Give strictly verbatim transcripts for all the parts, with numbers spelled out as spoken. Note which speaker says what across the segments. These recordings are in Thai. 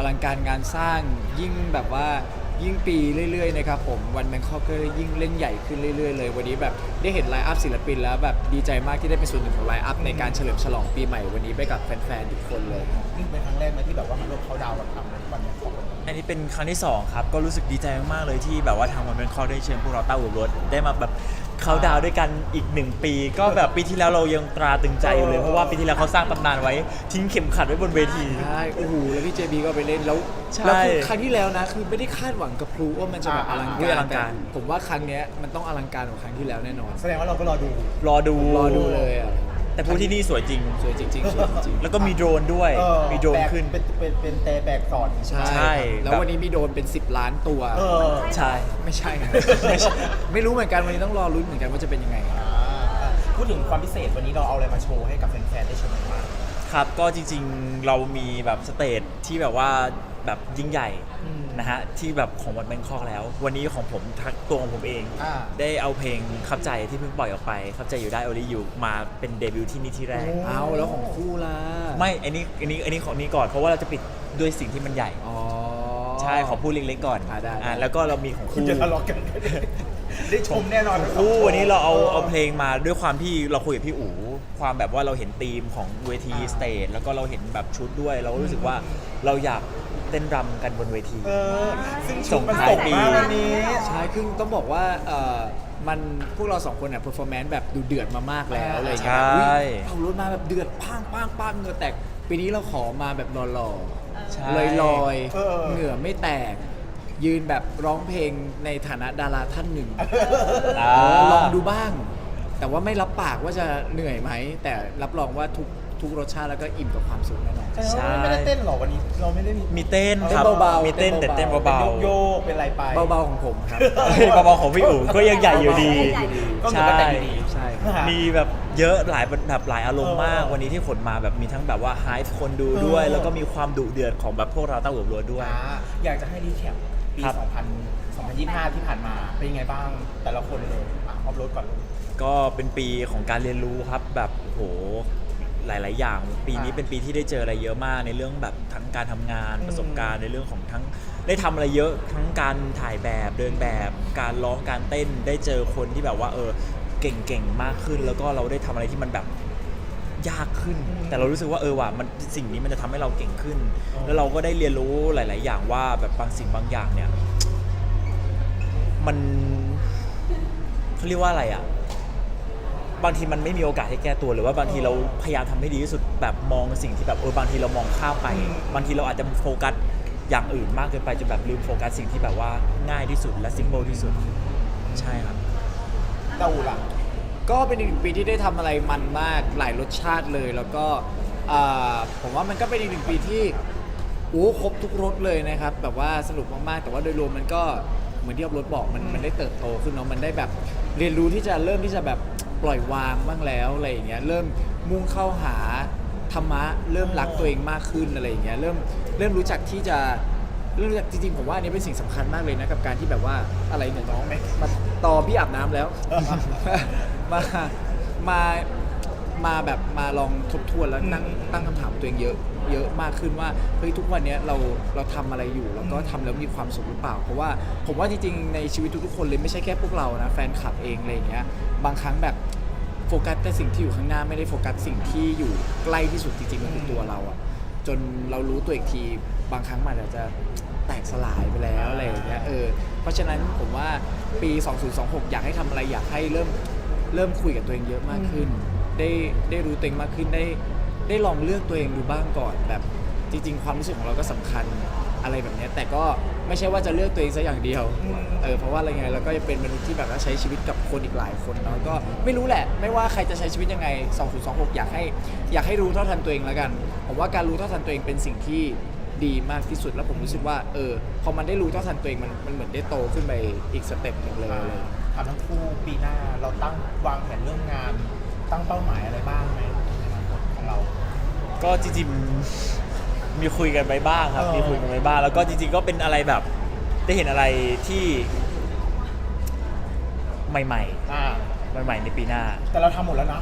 Speaker 1: ลังการงานสร้างยิ่งแบบว่ายิ่งปีเรื่อยๆนะครับผมวันแบงคอกก็ยิ่งเล่นใหญ่ขึ้นเรื่อยๆเลยวันนี้แบบได้เห็นไลน์อัพศิลปินแล้วแบบดีใจมากที่ได้เป็นส่วนหนึ่งของไลน์อัพในการเฉลิมฉลองปีใหม่วันนี้ไปกับแฟนๆทุกคนเลย
Speaker 2: นี่เป็นครั้งแรกไหมที่แบบว่ามาร่วมเขาดาวน์กับทำในวันแบงคอก
Speaker 3: อันนี้เป็นครั้งที่สองครับก็รู้สึกดีใจมากๆเลยที่แบบว่าทางวันเป็นคอได้เชิญพวกเราเต้าหูรถได้มาแบบเขาดาวด้วยกันอีกหนึ่งปีก็แบบปีที่แล้วเรายังตราตรึงใจอยู่เลยเพราะว่าปีที่แล้วเขาสร้างตำนานไว้ทิ้งเข็มขัดไว้บนเวที
Speaker 1: ใช่โอ้โหแล้วพี่เจบีก็ไปเล่นแล้ว
Speaker 3: ใช่
Speaker 1: แล้วคือครั้งที่แล้วนะคือไม่ได้คาดหวังกับพลูว่ามันจะแบบอลัง
Speaker 3: อุ๊ย
Speaker 1: กา
Speaker 3: อ
Speaker 1: ร
Speaker 3: ลังการ
Speaker 1: แต่ผมว่าครั้งเนี้ยมันต้องอลังการกว่าครั้งที่แล้วแน่นอน
Speaker 2: แสดงว่าเราก็รอดู
Speaker 3: รอดู
Speaker 1: รอดูเลยอ่ะ
Speaker 3: แต่พูดที่นี่สวยจริง
Speaker 1: สวยจริงๆสวยจริงๆ
Speaker 3: แล้วก็มีโดรนด้วย
Speaker 2: เออ
Speaker 3: มีโดรน
Speaker 2: แบก
Speaker 3: ขึ้น
Speaker 2: เป็นเป็นเป็นเตะแบกสอน
Speaker 1: ใช่
Speaker 3: ใช่
Speaker 1: แล้ว
Speaker 3: แบบ
Speaker 1: วันนี้มีโดนเป็นสิบล้านตัว
Speaker 2: เออ
Speaker 3: ใช่
Speaker 1: ไม่ใช่นะไม่ใช่ไม่รู้เหมือนกันวันนี้ต้องรอลุ้นเหมือนกันว่าจะเป็นยังไง
Speaker 2: อ่าพูดถึงความพิเศษวันนี้เราเอาอะไรมาโชว์ให้กับแฟนๆได้ชมกันบ้าง
Speaker 3: ครับก็จริงๆเรามีแบบสเตจที่แบบว่าแบบยิ่งใหญ่
Speaker 1: อืม
Speaker 3: นะฮะที่แบบของวันแบงคอกแล้ว วันนี้ของผมทักตัวของผมเอง
Speaker 2: อ่า
Speaker 3: ได้เอาเพลงขับใจที่เพิ่งปล่อยออกไปขับใจอยู่ได้ only you มาเป็นเดบิวต์ที่นี่ที่แรก
Speaker 2: โอ้
Speaker 1: เอาแล้วของคู่ล่ะ
Speaker 3: ไม่อันนี้อันนี้อันนี้ของนี้ก่อนเพราะว่าเราจะปิดด้วยสิ่งที่มันใหญ่
Speaker 1: อ๋อ
Speaker 3: ใช่ขอพูดเล็กๆก่อน
Speaker 1: อ่าได้ได้
Speaker 3: อ่าแล้วก็เรามีของ
Speaker 2: คุณ
Speaker 3: คู่
Speaker 2: จะทะเลาะกัน ได้ชมแน่นอน
Speaker 3: คู่วันนี้เราเอาเอาเพลงมาด้วยความที่เราคุยกับพี่อู๋ความแบบว่าเราเห็นธีมของเวทีสเตจแล้วก็เราเห็นแบบชุดด้วย เราก็รู้สึกว่าเราอยากเต้นรำกันบนเวที
Speaker 2: เออซึ่ง
Speaker 3: ส่
Speaker 2: ชุด
Speaker 3: ง
Speaker 2: มัน
Speaker 3: ท้าย
Speaker 2: ส่ง
Speaker 3: ปี
Speaker 2: มาวันนี้
Speaker 1: ใช่คือต้องบอกว่าเอ่อมันพวกเราสองคนเนี่ยเพอร์ฟอร์แมนซ์แบบดูเดือดมามากแล้วอะไรอย่างเงี้ย
Speaker 3: ใช่
Speaker 1: อุ๊ยเอารถมาแบบเดือดปังปังปังเหงื่อแตกปีนี้เราขอมาแบบหล่อ
Speaker 3: ใช่
Speaker 1: ๆลอยลอยๆ
Speaker 2: เออ
Speaker 1: เหงื่อไม่แตก ยืนแบบร้องเพลงในฐานะดาราท่านหนึ่ง
Speaker 3: อ่า
Speaker 1: เออลองดูบ้าง แต่ว่าไม่รับปากว่าจะเหนื่อยไหม แต่รับรองว่าทุกทุกรสชาติแล้วก็อิ่มกับความสุขแน่นอน
Speaker 2: ใช่ไม่ได้เต้นหรอวันนี้เราไม่ได้มี
Speaker 3: มีเต้นครับ
Speaker 1: เต้นเบาๆ
Speaker 3: มีเต้นแต่เต้น
Speaker 1: เต้น
Speaker 3: เบา
Speaker 2: เป็น
Speaker 3: ๆ
Speaker 2: โยกๆเป็นอะไรไป
Speaker 1: เบาๆของผมครับ
Speaker 3: เฮ้ยเบาๆของพี่อู๋ก็ยังใหญ่อยู่ดี
Speaker 2: ก็เหมือนกันแต่อยู่ดี
Speaker 1: ใช่
Speaker 3: มีแบบเยอะหลายแบบหลายอารมณ์มาก
Speaker 2: เออ
Speaker 3: วันนี้ที่ขนมาแบบมีทั้งแบบว่าไฮฟ์คนดูด้วย
Speaker 2: เออ
Speaker 3: แล้วก็มีความดุเดือดของแบบพวกเราเต้าหัวรัวด้วย
Speaker 2: อ่าอยากจะให้รีแคปปี
Speaker 3: ครับ
Speaker 2: สองพัน สองพันยี่สิบห้า ที่ผ่านมาเป็นยังไงบ้างแต่ละคนเลยอ่ะออฟโรดก่อนเลย
Speaker 3: ก็เป็นปีของการเรียนรู้ครับแบบโอ้โหหลาย ๆ อย่าง ปีนี้
Speaker 2: อ่า
Speaker 3: เป็นปีที่ได้เจออะไรเยอะมากในเรื่องแบบทั้งการทำงาน
Speaker 2: อืม
Speaker 3: ประสบการณ์ในเรื่องของทั้งได้ทำอะไรเยอะทั้งการถ่ายแบบเดินแบบ การร้องการเต้นได้เจอคนที่แบบว่าเออเก่ง ๆ มากขึ้น แล้วก็เราได้ทำอะไรที่มันแบบยากขึ้น แต่เรารู้สึกว่าเออว่ะมันสิ่งนี้มันจะทำให้เราเก่งขึ้น แล้วเราก็ได้เรียนรู้หลาย ๆ อย่างว่าแบบบางสิ่งบางอย่างเนี่ยมันเขาเรียกว่าอะไรอ่ะ บางทีมันไม่มีโอกาสให้แก้ตัวหรือว่าบางทีเราพยายามทำให้ดีที่สุดแบบมองสิ่งที่แบบเออบางทีเรามองข้ามไป บางทีเราอาจจะโฟกัสอย่างอื่นมากเกินไปจนแบบลืมโฟกัสสิ่งที่แบบว่าง่ายที่สุดและซิมเ l ลที่สุด ใช่ครับ
Speaker 2: เต้าหูหลัง
Speaker 1: ก็เป็นอีกหนึ่งปีที่ได้ทำอะไรมันมากหลายรสชาติเลย แล้วก็อ่าผมว่ามันก็เป็นอีกหนึ่งปีที่โอ้ครบทุกรสเลยนะครับแบบว่าสนุกมากๆแต่ว่าโดยรวมมันก็เหมือนที่อัพรถบอกมันมันได้เติบโตขึ้นเนาะมันได้แบบเรียนรู้ที่จะเริ่มที่จะแบบปล่อยวางบ้างแล้วอะไรอย่างเงี้ยเริ่มมุ่งเข้าหาธรรมะเริ่มรักตัวเองมากขึ้นอะไรอย่างเงี้ยเริ่มเริ่มรู้จักที่จะเริ่มรู้จักจริงๆผมว่าอันนี้เป็นสิ่งสำคัญมากเลยนะกับการที่แบบว่าอะไรเนี่ยน้องไหมมาตอพี่อาบน้ำแล้ว มา มา มาแบบมาลองทบทวนแล้วนั่งตั้งคำถามกับตัวเองเยอะ เยอะมากขึ้นว่าเฮ้ยทุกวันเนี้ยเราเราทำอะไรอยู่แล้วก็ทำแล้วมีความสุขหรือเปล่า เพราะว่าผมว่าจริงๆในชีวิตทุกๆคนเลยไม่ใช่แค่พวกเรานะแฟนคลับเองอะไรอย่างเงี้ยบางครั้งแบบโฟกัสแต่สิ่งที่อยู่ข้างหน้าไม่ได้โฟกัสสิ่งที่อยู่ใกล้ที่สุดจริงๆมันคือตัวเราอะจนเรารู้ตัวอีกทีบางครั้งมันอาจจะแตกสลายไปแล้วอะไรอย่างเงี้ยเออเพราะฉะนั้นผมว่าปีสองพันยี่สิบหกอยากให้ทำอะไรอยากให้เริ่ม เริ่มคุยกับตัวเองเยอะมากขึ้น ได้ได้รู้ตัวเองมากขึ้น ได้ได้ลองเลือกตัวเองดูบ้างก่อนแบบจริงๆ ความรู้สึกของเราก็สำคัญอะไรแบบเนี้ยแต่ก็ไม่ใช่ว่าจะเลือกตัวเองซะอย่างเดียว
Speaker 2: อืม
Speaker 1: เออเพราะว่าอะไรไงเราก็จะเป็นมนุษย์ที่แบบว่าใช้ชีวิตกับคนอีกหลายคนเนาะก็ไม่รู้แหละ ไม่ว่าใครจะใช้ชีวิตยังไงสองพันยี่สิบหกอยากให้อยากให้รู้เท่าทันตัวเองแล้วกันผมว่าการรู้เท่าทันตัวเองเป็นสิ่งที่ดีมากที่สุดแล้วผมรู้สึกว่าเออพอมันได้รู้เท่าทันตัวเองมันมันเหมือนได้โตขึ้นไปอีกสเต็ปหนึ่งเลย
Speaker 2: ถามทั้งคู่ปีหน้าเราตั้งวางแผนเรื่องงาน ตั้งเป้าหมายอะไรบ้างไหมในอนาคตของเรา
Speaker 3: ก็จริงๆมีคุยกันไปบ้างครับ
Speaker 2: เออ
Speaker 3: มีคุยกันไปบ้าง แล้วก็จริงๆก็เป็นอะไรแบบได้เห็นอะไรที่ใหม่
Speaker 2: อ่า
Speaker 3: ๆใหม่ๆในปีหน้า
Speaker 2: แต่เราทำหมดแล้วนะ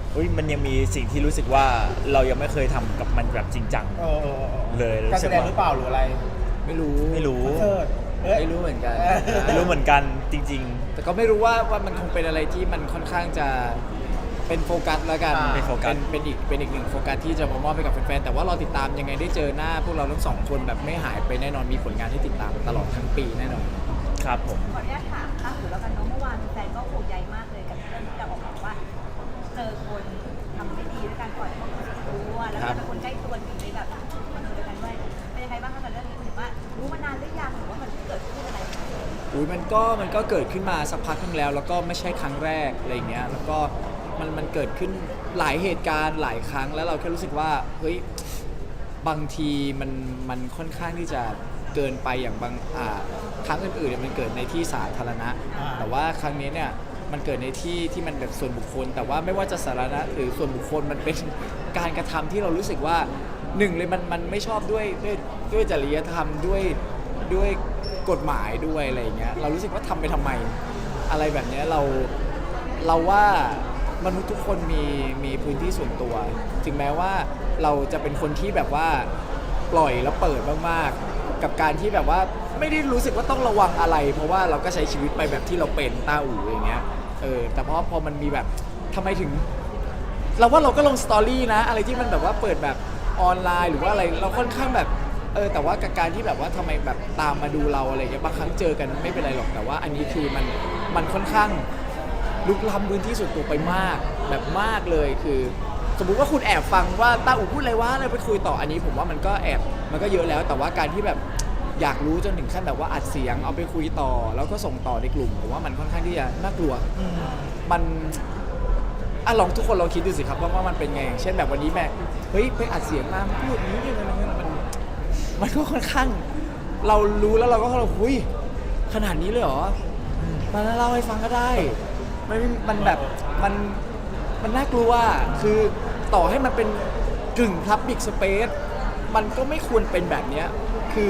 Speaker 3: เฮ้ยมันยังมีสิ่งที่รู้สึกว่าเรายังไม่เคยทำกับมันแบบจริงจัง
Speaker 2: เออเออออ
Speaker 3: เลยรู้
Speaker 2: การ
Speaker 3: สึ
Speaker 2: แส
Speaker 3: ก
Speaker 2: ดง
Speaker 3: ว่า
Speaker 2: หรือเปล่าหรืออะไร
Speaker 1: ไม่รู้
Speaker 3: ไม่รู้
Speaker 2: คอนเสิร์ตเอ้ย
Speaker 1: ไม่รู้เหมือนกัน
Speaker 2: เออ
Speaker 3: ไม่รู้เหมือนกันจริง
Speaker 1: แต่ก็ไม่รู้ว่าว่ามันคงเป็นอะไรที่มันค่อนข้างจะเป็นโฟกัสแล้วกัน
Speaker 2: อ่า
Speaker 3: เป็นโฟกัส
Speaker 1: เป็นอีกเป็นอีกหนึ่งโฟกัสที่จะมามอบให้กับแฟนๆแต่ว่าเราติดตามยังไงได้เจอหน้าพวกเราทั้งสองคนแบบไม่หายไปแน่นอนมีผลงานให้ติดตามตลอดทั้งปีแน่นอน
Speaker 3: ๆ ครับผม
Speaker 4: ขออนุญาตถามตั้งหูแล้วกันเนาะเมื่อวานแฟนก็ห่วงใยมากเลยกับเรื่องที่เราออกมาว่า เจอคนทำไม่ดีด้วยการปล่อยของรู้แล้วก็เป็นคนใกล้ตัวอยู่ในแบบมาดูด้วยกันด้วยเป็นยังไงบ้างคะกับเรื่องนี้ถือว่ารู้มานานหรือยังหรือว่ามันเพิ่งเกิดขึ้นอะไร
Speaker 1: อุ้ยมันก็มันก็เกิดขึ้นมาสักพักหนึงแล้ว แล้วก็ไม่ใช่ครั้งแรกอะไรอย่างเงี้ยแล้วก็มันมันเกิดขึ้นหลายเหตุการณ์หลายครั้งแล้วเราแค่รู้สึกว่าเฮ้ยบางทีมันมันค่อนข้างที่จะเกินไปอย่างบางอ่าครั้งอื่นๆเนี่ยมันเกิดในที่สาธารณะ
Speaker 2: อ่า
Speaker 1: แต่ว่าครั้งนี้เนี่ยมันเกิดในที่ที่มันแบบส่วนบุคคล แต่ว่าไม่ว่าจะสาธารณะหรือส่วนบุคคลมันเป็นการกระทำที่เรารู้สึกว่าหนึ่งเลยมันมันไม่ชอบด้วยด้วยด้วยจริยธรรมด้วยด้วยกฎหมายด้วยอะไรอย่างเงี้ยเรารู้สึกว่าทำไปทำไมอะไรแบบเนี้ยเราเราว่ามนุษย์ทุกคนมีมีพื้นที่ส่วนตัว ถึงแม้ว่าเราจะเป็นคนที่แบบว่าปล่อยแล้วเปิดมากๆกับการที่แบบว่าไม่ได้รู้สึกว่าต้องระวังอะไร เพราะว่าเราก็ใช้ชีวิตไปแบบที่เราเป็นต้าอู่อย่างเงี้ยเออแต่พอพอมันมีแบบทำไมถึง เราว่าเราก็ลงสตอรี่นะอะไรที่มันแบบว่าเปิดแบบออนไลน์หรือว่าอะไรเราค่อนข้างแบบเออแต่ว่ากับการที่แบบว่าทำไมแบบตามมาดูเราอะไรอย่างเงี้ยบางครั้งเจอกันไม่เป็นไรหรอกแต่ว่าอันนี้คือมันมันค่อนข้างลุกล้ำพื้นที่ส่วนตัวไปมากแบบมากเลยคือ สมมุติว่าคุณแอบฟังว่าต้าอู่พูดอะไรวะเลยไปคุยต่ออันนี้ผมว่ามันก็แอบมันก็เยอะแล้ว แต่ว่าการที่แบบอยากรู้จนถึงขั้นแบบว่าอัดเสียงเอาไปคุยต่อ แล้วก็ส่งต่อในกลุ่มผมว่ามันค่อนข้างที่จะน่ากลัว
Speaker 2: อืม
Speaker 1: มันอ่ะลองทุกคนลองคิดดูสิครับว่าว่ามันเป็นไง เช่นแบบวันนี้แม่เฮ้ยไปอัดเสียงมาพูดอย่างนี้อะไรเงี้ยมันมันก็ค่อนข้าง เรารู้แล้วเราก็เราหุยขนาดนี้เลยเหรอมาเล่าให้ฟังก็ได้ไม่มันแบบมันมันน่ากลัวคือต่อให้มันเป็นกึ่ง Public Space มันก็ไม่ควรเป็นแบบเนี้ยคือ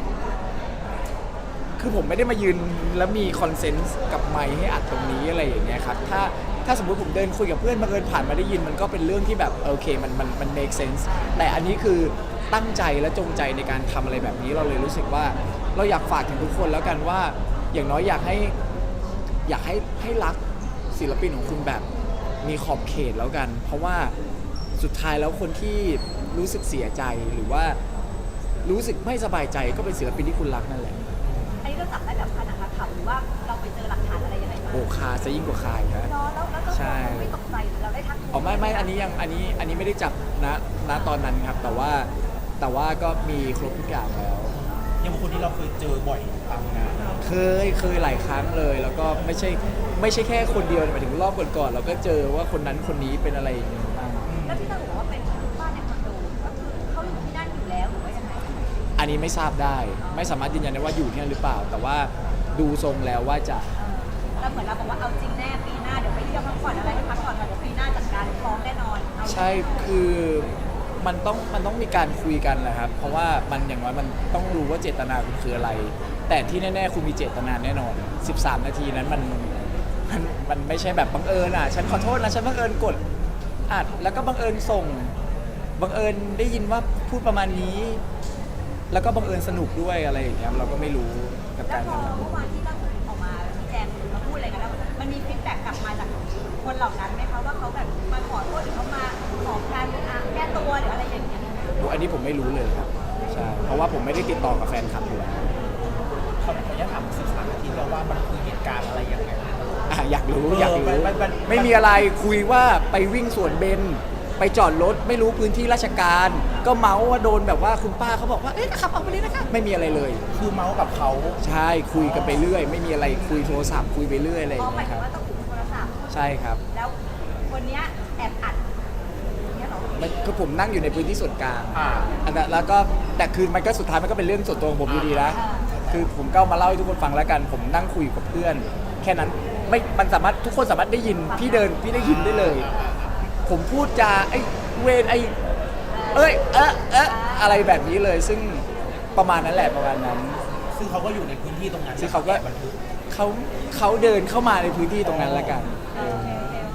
Speaker 1: คือผมไม่ได้มายืนแล้วมีคอนเซนส์กับไมค์ให้อัดตรงนี้อะไรอย่างเงี้ยครับ ถ้าถ้าสมมติผมเดินคุยกับเพื่อนบังเอิญผ่านมาได้ยินมันก็เป็นเรื่องที่แบบโอเคมันมันมัน make sense แต่อันนี้คือตั้งใจและจงใจในการทำอะไรแบบนี้เราเลยรู้สึกว่าเราอยากฝากถึงทุกคนแล้วกันว่าอย่างน้อยอยากให้อยากให้ให้รักศิลปินของคุณแบบมีขอบเขตแล้วกัน เพราะว่าสุดท้ายแล้วคนที่รู้สึกเสียใจหรือว่ารู้สึกไม่สบายใจก็เป็นศิลปินที่คุณรักนั่นแหละ
Speaker 4: อันนี้เราจับได้แบบขนาดนักข่าวหรือว่าเราไปเจอหลักฐานอะไรยังไงมา
Speaker 1: โอ้คาซะยิ่งกว่าคาอีกนะ
Speaker 4: เนาะแล้วแล้วก็
Speaker 1: ใช่
Speaker 4: ไม่ตกใจหรือเราได้ทัก
Speaker 1: อ๋อไม่ไม่อันนี้ยังอันนี้อันนี้ไม่ได้จับนะณตอนนั้นครับ แต่ว่าแต่ว่าก็มีครบทุกอย่างแล้ว
Speaker 2: ยังเป็นคนที่เราเคยเจอบ่อยตามงาน
Speaker 1: เคยเคยหลายครั้งเลย แล้วก็ไม่ใช่ไม่ใช่แค่คนเดียวหมายถึงรอบก่อนๆเราก็เจอว่าคนนั้นคนนี้เป็นอะไรอย่างเงี้ยบ้าง
Speaker 4: แล้วที่เราบอกว่าเป็นบ้านในคอนโดก็คือเขาอยู่ที่นั่นอยู่แล้วหรือว่ายังไง
Speaker 1: อันนี้ไม่ทราบได้ ไม่สามารถยืนยันได้ว่าอยู่ที่นั่นหรือเปล่า แต่ว่าดูทรงแล้วว่าจะ
Speaker 4: เออแล้วเหมือนเราบอกว่าเอาจริงแน่ปีหน้าเดี๋ยวไปเที่ยวพักผ่อนอะไรให้พักผ่อนก่อนเดี๋ยวปีหน้าจัดการฟ้องแน่นอนเอา
Speaker 1: ใช่คือมันต้องมันต้องมีการคุยกันแหละครับ เพราะว่ามันอย่างน้อยมันต้องรู้ว่าเจตนาคุณคืออะไร แต่ที่แน่ๆคุณมีเจตนาแน่นอน สิบสาม นาทีนั้นมันมันมันไม่ใช่แบบบังเอิญอ่ะฉันขอโทษนะฉันบังเอิญกดอัดแล้วก็บังเอิญส่งบังเอิญได้ยินว่าพูดประมาณนี้ แล้วก็บังเอิญสนุกด้วยอะไรอย่างเงี้ยเราก็ไม่รู้กับ
Speaker 4: แล้
Speaker 1: กาว ร
Speaker 4: พอ
Speaker 1: ทำ
Speaker 4: เมื่อวานที่เราออกมาชี้แจงมาพูดอะไรกันแล้วมันมีฟีดแบ็กกลับมาจากคนเหล่านั้นไหมคะว่าเขาแบบมาขอโทษหรือเขามาขอการอ่ะแก้ตัวหรืออะไรอย่างเงี้ย
Speaker 1: อันนี้ผมไม่รู้เลยครับใช่เพราะว่าผมไม่ได้ติดต่อกับแฟนคลับอยู่แล้ว
Speaker 2: ขออนุญาตถามสิบสามนาทีแล้วว่ามันคือเหตุการณ์อะไรยังไง
Speaker 1: อ่ะอยากรู้
Speaker 2: เออ
Speaker 1: อยากรู้
Speaker 2: มันมันมัน
Speaker 1: ไม่มีอะไรคุยว่าไปวิ่งสวนเบนไปจอดรถไม่รู้พื้นที่ราชการ ก็เมาส์ว่าโดนแบบว่าคุณป้าเขาบอกว่าเอ๊ะขับออกไปเลยนะคะไม่มีอะไรเลย
Speaker 2: คือเมาส์กับเขา
Speaker 1: ใช่คุยกันไปเรื่อย ไม่มีอะไรคุยโทรศัพท์คุยไปเรื่อยอะไรอ
Speaker 4: อ๋อย่าง หมา
Speaker 1: เงี้
Speaker 4: ย
Speaker 1: ยครับ
Speaker 4: ถึงว่าต้องถูกโทรศัพท์
Speaker 1: ใช่ครับ
Speaker 4: แล้วคนเนี้ยแอบอัดอย่างเงี้ยเหรอ
Speaker 1: มันคือผมนั่งอยู่ในพื้นที่ส่วนกลาง
Speaker 2: อ่า
Speaker 1: อันนั้นแล้วก็แต่คือมันก็สุดท้ายมันก็เป็นเรื่องส่วนตัวของผมอยู่ดีนะคือผมก็เอามาเล่าให้ทุกคนฟังแล้วกัน ผมนั่งคุยกับเพื่อน แค่นั้นไม่มันสามารถทุกคนสามารถได้ยินพี่เดินพี่ได้ยินได้เลย ผมพูดจาไอ้เวรไอ้เอ้ยเอะเอะอะไรแบบนี้เลย ซึ่งประมาณนั้นแหละประมาณนั้น
Speaker 2: ซึ่งเขาก็อยู่ในพื้นที่ตรงนั้น
Speaker 1: ซึ่งเขาก็
Speaker 2: บันทึก
Speaker 1: เขาเขาเดินเข้ามาในพื้นที่ตรงนั้นแล้วกัน
Speaker 4: โอเคโอเคโอเค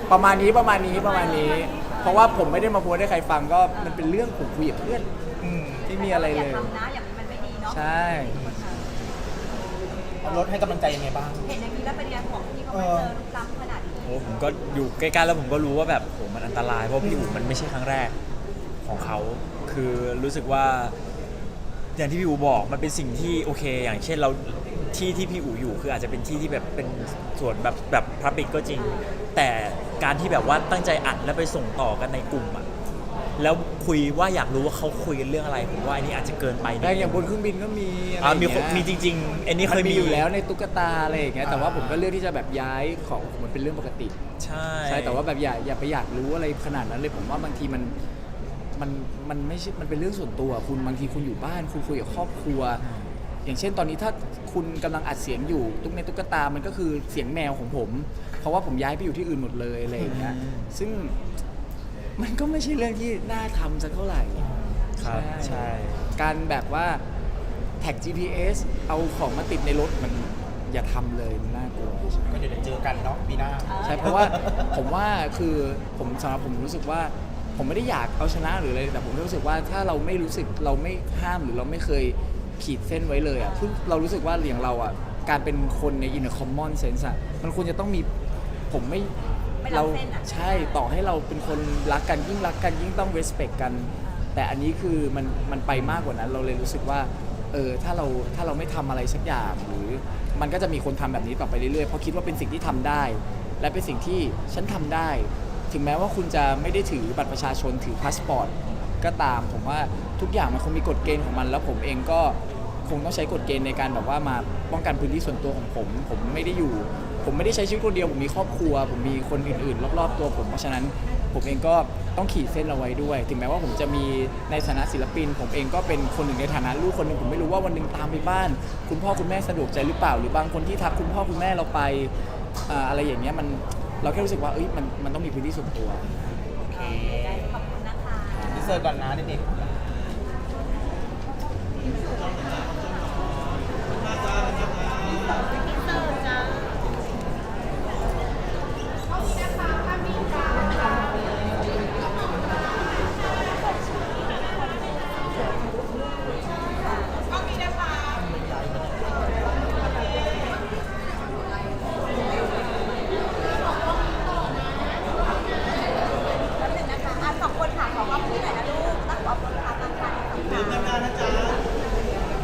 Speaker 1: ประมาณนี้ประมาณนี้ประมาณนี้ เพราะว่าผมไม่ได้มาโพสต์ให้ใครฟังก็มันเป็นเรื่องผมคุยกับเพื่อน
Speaker 2: อืม
Speaker 1: ไม่มีอะไร
Speaker 4: อ
Speaker 1: เล
Speaker 4: ย่าย ทำนะอย่างมันไม่ดีเนาะ
Speaker 1: ใช่
Speaker 2: เอารถให้กำลังใจยังไงบ้าง
Speaker 4: เห็นอย่างนี้แล้วเป็นยังของที่เขามาเจอลุกล้ำขนาดนี้
Speaker 3: โอ้ผมก็อยู่ใกล้ๆแล้วผมก็รู้ว่าแบบโหมันอันตรายเพราะพี่อู๋มันไม่ใช่ครั้งแรกของเขาคือรู้สึกว่า อย่างที่พี่อู๋บอกมันเป็นสิ่งที่โอเค อย่างเช่นเราที่ที่พี่อู๋อยู่คืออาจจะเป็นที่ที่แบบเป็นส่วนแบบแบบพับบิกก็จริง แต่การที่แบบว่าตั้งใจอัดแล้วไปส่งต่อกันในกลุ่มอะแล้วคุยว่าอยากรู้ว่าเขาคุยกันเรื่องอะไรผมว่าอันนี้อาจจะเกินไปนิด
Speaker 1: แต่
Speaker 3: นึ
Speaker 1: อย่างบนเครื่องบินก็มีอะไร
Speaker 3: อ่า
Speaker 1: อย่าง
Speaker 3: มี
Speaker 1: เงี้
Speaker 3: คน
Speaker 1: ย
Speaker 3: มีจริงๆอันนี้เคย
Speaker 1: มัน
Speaker 3: มี
Speaker 1: มีอยู่แล้วในตุ๊กตาอะไรอย่างเงี้ยแต่ว่า
Speaker 2: อ่า
Speaker 1: ผมก็เลือกที่จะแบบย้ายของมันเป็นเรื่องปกติ
Speaker 3: ใช่
Speaker 1: ใช่แต่ว่าแบบอย่าอย่าไปอยากรู้อะไรขนาดนั้นเลยผมว่าบางทีมันมันมันไม่ใช่มันเป็นเรื่องส่วนตัวคุณบางทีคุณอยู่บ้านคุณคุยกับครอบครัว อย่างเช่นตอนนี้ถ้าคุณกำลังอัดเสียงอยู่ตุ๊กในตุ๊กตามันก็คือเสียงแมวของผม เพราะว่าผมย้ายไปอยู่ที่อื่นหมดเลยอะไรอย่างเงี้ยซึ่งมันก็ไม่ใช่เรื่องที่น่าทำสักเท่าไหร่
Speaker 3: ครับใช่
Speaker 1: การแบบว่าแท็ก จี พี เอส เอาของมาติดในรถมันอย่าทำเลยมันน่ากลัว
Speaker 2: ก็เดี๋ยวเจอกันเนาะปีหน้า
Speaker 1: ใช่เพราะว่าผมว่าคือผมสำหรับผมรู้สึกว่าผมไม่ได้อยากเอาชนะหรืออะไรแต่ผมรู้สึกว่าถ้าเราไม่รู้สึกเราไม่ห้ามหรือเราไม่เคยขีดเส้นไว้เลยอ่ะคือเรารู้สึกว่าอย่างเราอ่ะการเป็นคนใน in a common sense อ่ะมันควรจะต้องมีผมไม่
Speaker 4: ไม่ล้ำ
Speaker 1: เรา
Speaker 4: เส้นอะ
Speaker 1: ใช่ต่อให้เราเป็นคนรักกันยิ่งรักกันยิ่งต้อง respect กัน แต่อันนี้คือมันมันไปมากกว่านั้นเราเลยรู้สึกว่าเออถ้าเราถ้าเราไม่ทำอะไรสักอย่างหรือมันก็จะมีคนทำแบบนี้ต่อไปเรื่อยๆเพราะคิดว่าเป็นสิ่งที่ทำได้ และเป็นสิ่งที่ฉันทำได้ ถึงแม้ว่าคุณจะไม่ได้ถือบัตรประชาชนถือพาสปอร์ตก็ตาม ผมว่าทุกอย่างมันคงมีกฎเกณฑ์ของมัน แล้วผมเองก็คงต้องใช้กฎเกณฑ์ในการแบบว่ามาป้องกันพื้นที่ส่วนตัวของผม ผมไม่ได้อยู่ ผมไม่ได้ใช้ชีวิตคนเดียวผมมีครอบครัว ผมมีคนอื่นๆ รอบๆตัวผมเพราะฉะนั้นผมเองก็ต้องขีดเส้นเอาไว้ด้วย ถึงแม้ว่าผมจะมีในฐานะศิลปิน ผมเองก็เป็นคนหนึ่งในฐานะลูกคนหนึ่งผมไม่รู้ว่าวันหนึ่งตามไปบ้าน คุณพ่อคุณแม่สะดวกใจหรือเปล่า หรือบางคนที่ทักคุณพ่อคุณแม่เราไปอ่าอะไรอย่างเงี้ยมันเราแค่รู้สึกว่าเอ้ยมันมันต้องมีพื้นที่ส่วนตัว
Speaker 4: โอเคขอบคุณนะคะ
Speaker 2: พี่เซอร์ก่อนนะเด็กๆ